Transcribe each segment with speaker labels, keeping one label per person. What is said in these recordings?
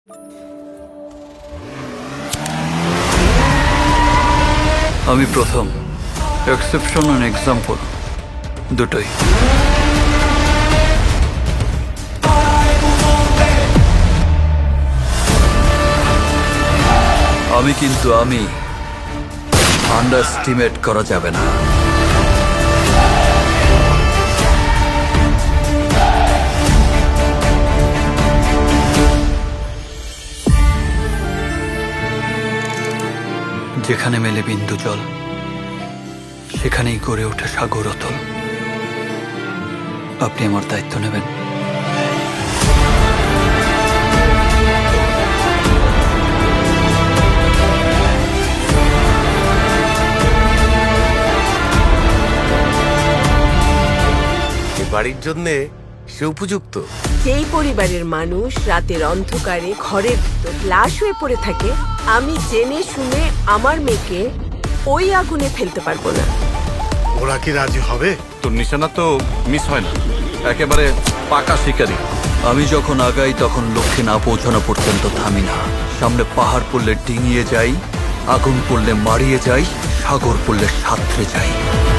Speaker 1: আমি প্রথম, exception and example দুটোই। আমি আন্ডারস্টিমেট করা যাবে না। যেখানে মেলে বিন্দু জল, সেখানেই গড়ে ওঠে সাগর অতল। আপনি আমার দায়িত্ব নেবেন?
Speaker 2: বাড়ির জন্যে সে উপযুক্ত।
Speaker 3: যেই পরিবারের মানুষ রাতের অন্ধকারে ঘরের ভিতর লাশ হয়ে পড়ে থাকে, আমি জেনে শুনে আমার মেয়েকে ওই আগুনে ফেলতে পারবো না।
Speaker 2: ওরা কি রাজি হবে?
Speaker 4: তোর নিশানা তো মিস হয় না, একেবারে পাকা শিকারি।
Speaker 1: আমি যখন আগাই তখন লক্ষ্যে না পৌঁছানো পর্যন্ত থামি না। সামনে পাহাড় পড়লে ডিঙিয়ে যাই, আগুন পড়লে মারিয়ে যাই, সাগর পড়লে সাঁতরে যাই।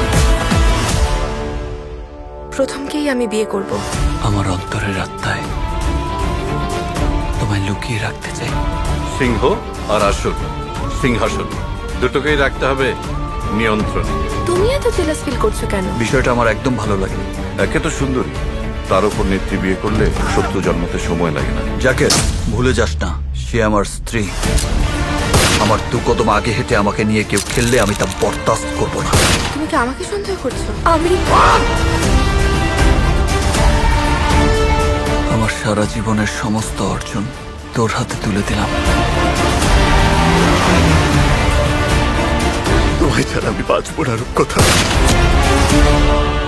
Speaker 5: প্রথমকেই আমি বিয়ে করব।
Speaker 1: আমার অন্তরের আত্মায় তোমায় লুকিয়ে রাখতে চাই।
Speaker 4: সিংহ আর আসন, সিংহাসন দুটোকেই রাখতে হবে নিয়ন্ত্রণে।
Speaker 5: তুমি এত জেলাস ফিল করছো কেন?
Speaker 1: বিষয়টা আমার একদম ভালো লাগে।
Speaker 4: একে তো সুন্দরী, তার উপর নেত্রী বিয়ে করলে শত্রু জন্মাতে সময় লাগে না।
Speaker 1: যাকে ভুলে যাস না, সে আমার স্ত্রী। আমার দু কদম আগে হেঁটে আমাকে নিয়ে কেউ খেললে আমি তা বরদাস্ত করব না।
Speaker 5: তুমি কি আমাকে সন্দেহ করছো? আমি
Speaker 1: আমার সারা জীবনের সমস্ত অর্জন তোর হাতে তুলে দিলাম।
Speaker 2: তোমায় ছাড়া আমি বাঁচবো না রূপকথা।